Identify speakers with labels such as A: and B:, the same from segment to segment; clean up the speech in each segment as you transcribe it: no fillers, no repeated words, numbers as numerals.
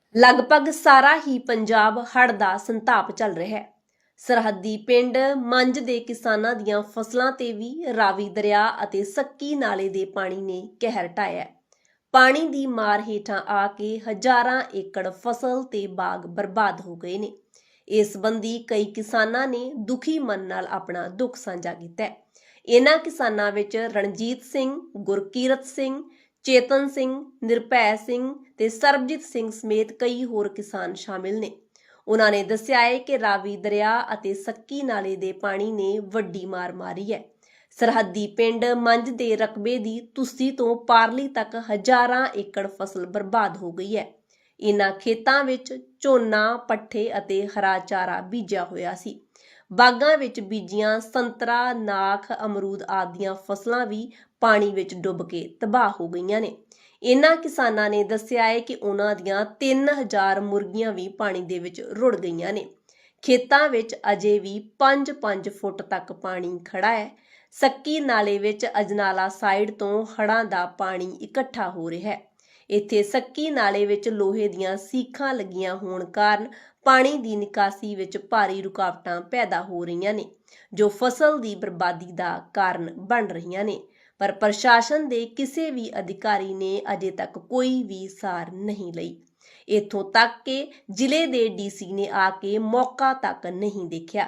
A: ਲਗਭਗ ਸਾਰਾ ਹੀ ਪੰਜਾਬ ਹੜ੍ਹ ਦਾ ਸੰਤਾਪ ਚੱਲ ਰਿਹਾ ਹੈ। ਸਰਹੱਦੀ ਪਿੰਡ ਮੰਝ ਦੇ ਕਿਸਾਨਾਂ ਦੀਆਂ ਫਸਲਾਂ ਤੇ ਵੀ ਰਾਵੀ ਦਰਿਆ ਅਤੇ ਸੱਕੀ ਨਾਲੇ ਦੇ ਪਾਣੀ ਨੇ ਕਹਿਰ ਢਾਇਆ ਹੈ। ਪਾਣੀ ਦੀ ਮਾਰ ਹੇਠਾਂ ਆ ਕੇ ਹਜ਼ਾਰਾਂ ਏਕੜ ਫਸਲ ਤੇ ਬਾਗ ਬਰਬਾਦ ਹੋ ਗਏ ਨੇ। ਇਸ ਸੰਬੰਧੀ ਕਈ ਕਿਸਾਨਾਂ ਨੇ ਦੁਖੀ ਮਨ ਨਾਲ ਆਪਣਾ ਦੁੱਖ ਸਾਂਝਾ ਕੀਤਾ ਹੈ। ਇਹਨਾਂ ਕਿਸਾਨਾਂ ਵਿੱਚ ਰਣਜੀਤ ਸਿੰਘ, ਗੁਰਕੀਰਤ ਸਿੰਘ, ਚੇਤਨ ਸਿੰਘ, ਨਿਰਭੈ ਸਿੰਘ ਤੇ ਸਰਬਜੀਤ ਸਿੰਘ ਸਮੇਤ ਕਈ ਹੋਰ ਕਿਸਾਨ ਸ਼ਾਮਿਲ ਨੇ। ਉਹਨਾਂ ਨੇ ਦੱਸਿਆ ਹੈ ਕਿ ਰਾਵੀ ਦਰਿਆ ਅਤੇ ਸੱਕੀ ਨਾਲੇ ਦੇ ਪਾਣੀ ਨੇ ਵੱਡੀ ਮਾਰ ਮਾਰੀ ਹੈ। ਸਰਹੱਦੀ ਪਿੰਡ ਮੰਝ ਦੇ ਰਕਬੇ ਦੀ ਤੁਸੀਂ ਤੋਂ ਪਾਰਲੀ ਤੱਕ ਹਜ਼ਾਰਾਂ ਏਕੜ ਫਸਲ ਬਰਬਾਦ ਹੋ ਗਈ ਹੈ। ਇਹਨਾਂ ਖੇਤਾਂ ਵਿੱਚ ਝੋਨਾ, ਪੱਠੇ ਅਤੇ ਹਰਾ ਚਾਰਾ ਬੀਜਿਆ ਹੋਇਆ ਸੀ। ਬਾਗਾਂ ਵਿੱਚ ਬੀਜੀਆਂ ਸੰਤਰਾ, ਨਾਖ, ਅਮਰੂਦ ਆਦਿ ਦੀਆਂ ਫਸਲਾਂ ਵੀ ਪਾਣੀ ਵਿੱਚ ਡੁੱਬ ਕੇ ਤਬਾਹ ਹੋ ਗਈਆਂ ਨੇ। ਇਹਨਾਂ ਕਿਸਾਨਾਂ ਨੇ ਦੱਸਿਆ ਹੈ ਕਿ ਉਹਨਾਂ ਦੀਆਂ 3000 ਮੁਰਗੀਆਂ ਵੀ ਪਾਣੀ ਦੇ ਵਿੱਚ ਰੁੜ ਗਈਆਂ ਨੇ। ਖੇਤਾਂ ਵਿੱਚ ਅਜੇ ਵੀ 5-5 ਫੁੱਟ ਤੱਕ ਪਾਣੀ ਖੜਾ ਹੈ। ਸੱਕੀ ਨਾਲੇ ਵਿੱਚ ਅਜਨਾਲਾ ਸਾਈਡ ਤੋਂ ਹੜ੍ਹਾਂ ਦਾ ਪਾਣੀ ਇਕੱਠਾ ਹੋ ਰਿਹਾ ਹੈ। ਇੱਥੇ ਸੱਕੀ ਨਾਲੇ ਵਿੱਚ ਲੋਹੇ ਦੀਆਂ ਸੀਖਾਂ ਲੱਗੀਆਂ ਹੋਣ ਕਾਰਨ ਪਾਣੀ ਦੀ ਨਿਕਾਸੀ ਵਿੱਚ ਭਾਰੀ ਰੁਕਾਵਟਾਂ ਪੈਦਾ ਹੋ ਰਹੀਆਂ ਨੇ, ਜੋ ਫਸਲ ਦੀ ਬਰਬਾਦੀ ਦਾ ਕਾਰਨ ਬਣ ਰਹੀਆਂ ਨੇ। ਪਰ ਪ੍ਰਸ਼ਾਸਨ ਦੇ ਕਿਸੇ ਵੀ ਅਧਿਕਾਰੀ ਨੇ ਅਜੇ ਤੱਕ ਕੋਈ ਵੀ ਸਾਰ ਨਹੀਂ ਲਈ। ਇੱਥੋਂ ਤੱਕ ਕਿ ਜ਼ਿਲ੍ਹੇ ਦੇ ਡੀਸੀ ਨੇ ਆ ਕੇ ਮੌਕਾ ਤੱਕ ਨਹੀਂ ਦੇਖਿਆ।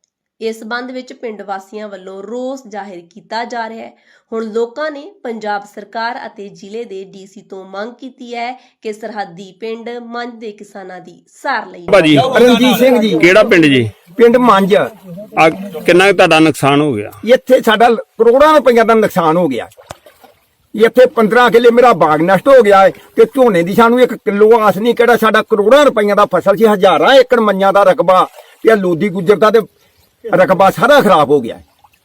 A: ਇਸ ਸੰਬੰਧ ਵਿੱਚ ਪਿੰਡ ਵਾਸੀਆਂ ਵੱਲੋਂ ਰੋਸ ਜ਼ਾਹਿਰ ਕੀਤਾ ਜਾ ਰਿਹਾ ਹੈ। ਹੁਣ ਲੋਕਾਂ ਨੇ ਪੰਜਾਬ ਸਰਕਾਰ ਅਤੇ ਜ਼ਿਲ੍ਹੇ ਦੇ ਡੀਸੀ ਤੋਂ ਮੰਗ ਕੀਤੀ ਹੈ ਕਿ ਸਰਹੱਦੀ ਪਿੰਡ ਮੰਝ ਦੇ ਕਿਸਾਨਾਂ ਦੀ ਸਾਰ ਲਈ।
B: ਭਾਜੀ
C: ਰਣਜੀਤ ਸਿੰਘ ਜੀ।
B: ਕਿਹੜਾ ਪਿੰਡ ਜੀ?
C: ਪਿੰਡ ਮੰਝ।
B: ਆ ਕਿੰਨਾ ਕੁ ਤੁਹਾਡਾ ਨੁਕਸਾਨ ਹੋ ਗਿਆ?
C: ਇੱਥੇ ਸਾਡਾ ਕਰੋੜਾਂ ਰੁਪਈਆ ਦਾ ਨੁਕਸਾਨ ਹੋ ਗਿਆ। ਇੱਥੇ 15 ਕਿੱਲੇ ਮੇਰਾ ਬਾਗ ਨਸ਼ਟ ਹੋ ਗਿਆ ਹੈ ਤੇ ਝੋਨੇ ਦੀ ਸਾਨੂੰ 1 ਕਿਲੋ ਆਸ ਨਹੀਂ। ਕਿਹੜਾ ਸਾਡਾ ਕਰੋੜਾਂ ਰੁਪਈਆ ਦਾ ਫਸਲ ਸੀ, ਹਜ਼ਾਰਾਂ ਏਕੜ ਮੰਨਿਆਂ ਦਾ ਰਕਬਾ ਤੇ ਲੋਦੀ ਗੁੱਜਰ ਦਾ ਤੇ ਰਕਬਾ ਸਾਰਾ ਖਰਾਬ ਹੋ ਗਿਆ।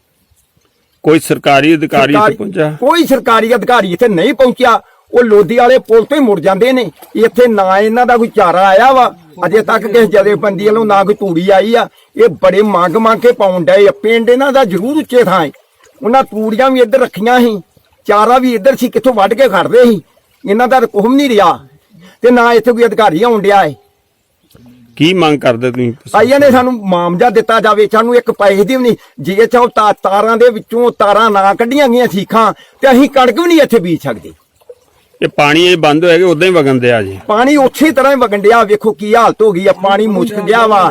B: ਕੋਈ ਸਰਕਾਰੀ ਅਧਿਕਾਰੀ ਇੱਥੇ ਪਹੁੰਚਿਆ?
C: ਕੋਈ ਸਰਕਾਰੀ ਅਧਿਕਾਰੀ ਇੱਥੇ ਨਹੀਂ ਪਹੁੰਚਿਆ। ਉਹ ਲੋਦੀ ਵਾਲੇ ਪੁਲ ਤੋਂ ਹੀ ਮੁੜ ਜਾਂਦੇ ਨੇ। ਇੱਥੇ ਨਾ ਇਹਨਾਂ ਦਾ ਕੋਈ ਚਾਰਾ ਆਇਆ ਵਾ ਅਜੇ ਤੱਕ, ਕਿਸੇ ਜਥੇਬੰਦੀ ਵੱਲੋਂ ਨਾ ਕੋਈ ਤੂੜੀ ਆਈ ਆ। ਇਹ ਬੜੇ ਮੰਗ ਕੇ ਪਾਉਣ ਡਏ ਆ। ਪਿੰਡ ਇਹਨਾਂ ਦਾ ਜ਼ਰੂਰ ਉੱਚੇ ਥਾਂ ਹੈ। ਉਹਨਾਂ ਤੂੜੀਆਂ ਵੀ ਇੱਧਰ ਰੱਖੀਆਂ ਸੀ, ਚਾਰਾ ਵੀ ਇੱਧਰ ਸੀ, ਕਿੱਥੋਂ ਵੱਢ ਕੇ ਖੜਦੇ ਸੀ। ਇਹਨਾਂ ਦਾ ਕੁਝ ਨਹੀਂ ਰਿਹਾ ਤੇ ਨਾ ਇੱਥੇ ਕੋਈ ਅਧਿਕਾਰੀ ਆਉਣ ਡਿਆ ਹੈ।
B: ਕੀ ਮੰਗ ਕਰਦੇ ਤੁਸੀਂ?
C: ਆਈਆਂ ਨੇ ਸਾਨੂੰ ਮਾਮਜਾ ਦਿੱਤਾ ਜਾਵੇ। ਸਾਨੂੰ ਇੱਕ ਪੈਸੇ ਦੀ ਵੀ ਨਹੀਂ। ਜੇ ਚਾਹੋ ਤਾਰਾਂ ਦੇ ਵਿੱਚੋਂ ਤਾਰਾਂ ਨਾ ਕੱਢੀਆਂ ਗਈਆਂ ਸੀਖਾਂ ਤੇ ਅਸੀਂ ਕਣਕ ਵੀ ਨਹੀਂ ਇੱਥੇ ਬੀਜ ਸਕਦੇ।
B: ਇਹ ਪਾਣੀ ਇਹ ਬੰਦ ਹੋਇਆ ਕਿ ਉਦਾਂ ਹੀ ਵਗਣ ਦਿਆ ਜੀ? ਪਾਣੀ
C: ਉਸੇ ਤਰ੍ਹਾਂ ਹੀ ਵਗਣ ਡਿਆ। ਵੇਖੋ ਕੀ ਹਾਲਤ ਹੋ ਗਈ ਆ। ਪਾਣੀ ਮੁਸ਼ਕ ਗਿਆ ਵਾ।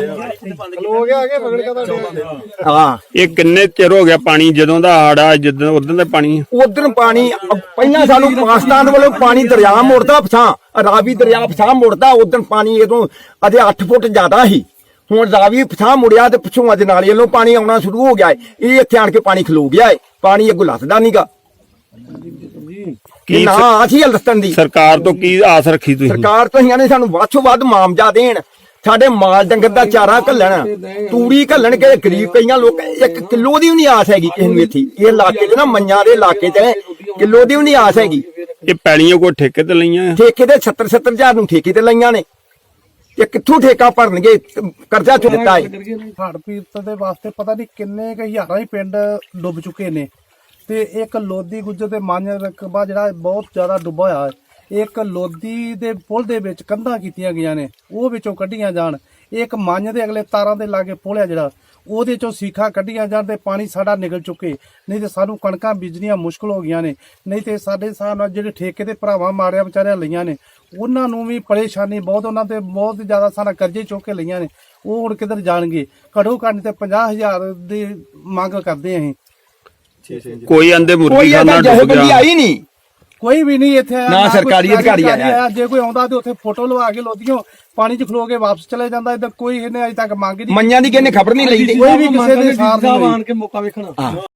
C: ਹਾਂ,
B: ਇਹ ਕਿੰਨੇ ਚਿਰ ਹੋ ਗਿਆ ਪਾਣੀ? ਜਦੋਂ ਦਾ ਹੜਾ ਜਦੋਂ ਉਦੋਂ ਦਾ ਪਾਣੀ?
C: ਉਧਰ ਪਾਣੀ ਪਹਿਲਾਂ ਸਾਨੂੰ ਪਾਕਿਸਤਾਨ ਵੱਲੋਂ ਪਾਣੀ ਦਰਿਆ ਮੁੜਦਾ ਪਛਾਂ, ਰਾਵੀ ਦਰਿਆ ਪਛਾਂ ਮੁੜਦਾ। ਉਧਰ ਪਾਣੀ ਇਦੋਂ ਅਜੇ 8 ਫੁੱਟ ਜ਼ਿਆਦਾ ਸੀ। ਹੁਣ ਰਾਵੀ ਪਛਾਂ ਮੁੜਿਆ ਤੇ ਪਿੱਛੋਂ ਅੱਜ ਨਾਲੇ ਵੱਲੋਂ ਪਾਣੀ ਆਉਣਾ ਸ਼ੁਰੂ ਹੋ ਗਿਆ ਹੈ। ਇਹ ਇੱਥੇ ਆਣ ਕੇ ਪਾਣੀ ਖਲੋ ਗਿਆ ਹੈ। ਪਾਣੀ ਅੱਗੋਂ ਲੱਥਦਾ ਨਹੀਂਗਾ।
B: ਕੀ
C: ਨਾ ਅਸੀਂ ਹਲਦਸਤਾਨ ਦੀ
B: ਸਰਕਾਰ ਤੋਂ ਕੀ ਆਸ ਰੱਖੀ ਤੁਸੀਂ?
C: ਸਰਕਾਰ ਤੋਂ ਇਹਨਾਂ ਨੇ ਸਾਨੂੰ ਵੱਧ ਤੋਂ ਵੱਧ ਮਾਮਜਾ ਦੇਣ। ਸਾਡੇ ਮਾਲ ਡੰਗਰ ਦਾ ਚਾਰਾ ਘੱਲਣ, ਤੂੜੀ ਘੱਲਣ ਕੇ ਗਰੀਬ ਕਈਆਂ ਲੋਕ 1 ਕਿਲੋ ਦੀ ਵੀ ਨਹੀਂ ਆਸ ਹੈਗੀ ਕਿਸੇ ਨੂੰ। ਇੱਥੇ ਇਹ ਇਲਾਕੇ 'ਚ ਨਾ ਮੰਨਿਆਂ ਦੇ ਇਲਾਕੇ 'ਚ ਕਿਲੋ ਦੀ ਵੀ ਨਹੀਂ ਆਸ ਹੈਗੀ।
B: ਇਹ ਪੈਲੀਆਂ ਕੋਈ ਠੇਕੇ ਤੇ ਲਈਆਂ?
C: ਠੇਕੇ ਦੇ 70 ਹਜ਼ਾਰ ਨੂੰ ਠੇਕੇ ਤੇ ਲਈਆਂ ਨੇ। ਇਹ ਕਿੱਥੋਂ ਠੇਕਾ ਭਰਨਗੇ? ਕਰਜ਼ਾ ਚੁੱਕ ਦਿੱਤਾ ਹੈ।
D: ਹੜ੍ਹ ਪੀੜਤ ਦੇ ਵਾਸਤੇ ਪਤਾ ਨਹੀਂ ਕਿੰਨੇ ਕੁ ਹਜ਼ਾਰਾਂ ਹੀ ਪਿੰਡ ਡੁੱਬ ਚੁੱਕੇ ਨੇ ਤੇ ਇੱਕ ਲੋਦੀ ਗੁੱਜਰ ਤੇ ਮੰਝ ਰਕਬਾ ਜਿਹੜਾ ਬਹੁਤ ਜ਼ਿਆਦਾ ਡੁੱਬਾ ਹੋਇਆ ਹੈ। ਇੱਕ ਲੋਦੀ ਦੇ ਪੁਲ ਦੇ ਵਿੱਚ ਕੰਧਾਂ ਕੀਤੀਆਂ ਗਈਆਂ ਨੇ, ਉਹ ਵਿੱਚੋਂ ਕੱਢੀਆਂ ਜਾਣ। ਇੱਕ ਮੰਝ ਦੇ ਅਗਲੇ ਤਾਰਾਂ ਦੇ ਲਾਗੇ ਪੁਲ ਹੈ ਜਿਹੜਾ, ਉਹਦੇ ਚੋਂ ਸੀਖਾਂ ਕੱਢੀਆਂ ਜਾਣ ਤੇ ਪਾਣੀ ਸਾਡਾ ਨਿਕਲ ਚੁੱਕੇ। ਨਹੀਂ ਤੇ ਸਾਨੂੰ ਕਣਕਾਂ ਬੀਜਣੀਆਂ ਮੁਸ਼ਕਲ ਹੋ ਗਈਆਂ ਨੇ। ਨਹੀਂ ਤੇ ਸਾਡੇ ਹਿਸਾਬ ਨਾਲ ਜਿਹੜੇ ਠੇਕੇ ਦੇ ਭਰਾਵਾਂ ਮਾਰਿਆ ਵਿਚਾਰਿਆਂ ਲਈਆਂ ਨੇ, ਉਹਨਾਂ ਨੂੰ ਵੀ ਪਰੇਸ਼ਾਨੀ ਬਹੁਤ। ਉਹਨਾਂ ਤੇ ਬਹੁਤ ਜ਼ਿਆਦਾ ਸਾਰਾ ਕਰਜ਼ੇ ਚੁੱਕ ਕੇ ਲਈਆਂ ਨੇ। ਉਹ ਹੁਣ ਕਿੱਧਰ ਜਾਣਗੇ? ਘੱਟੋ ਘੱਟ ਤੇ 50,000 ਦੀ ਮੰਗ ਕਰਦੇ ਅਸੀਂ।
B: ਕੋਈ ਆਂਦੇ ਮੁਰਗੀ
C: ਕੋਈ
B: ਖਾਨਾ ਡੁੱਬ ਗਿਆ?
C: ਆਈ ਨਹੀਂ,
D: ਕੋਈ ਵੀ ਨਹੀਂ ਇੱਥੇ
C: ਨਾ ਸਰਕਾਰੀ ਅਧਿਕਾਰੀ ਆਇਆ।
D: ਜੇ ਕੋਈ ਆਉਂਦਾ ਤੇ ਉੱਥੇ ਫੋਟੋ ਲਵਾ ਕੇ ਲੋਦੀਆਂ ਪਾਣੀ 'ਚ ਖਲੋ ਕੇ ਵਾਪਸ ਚਲੇ ਜਾਂਦਾ। ਇੱਧਰ ਕੋਈ ਇਹਨੇ ਅਜੇ ਤੱਕ ਮੰਗ ਨਹੀਂ।
C: ਮੰਨਿਆਂ ਦੀ ਕਿਸੇ ਨੇ ਖਬਰ ਨਹੀਂ ਲਈ।
D: ਕੋਈ ਵੀ ਕਿਸੇ ਦੇ ਸਾਥ ਨਹੀਂ ਆਣ ਕੇ ਮੌਕਾ ਵੇਖਣਾ।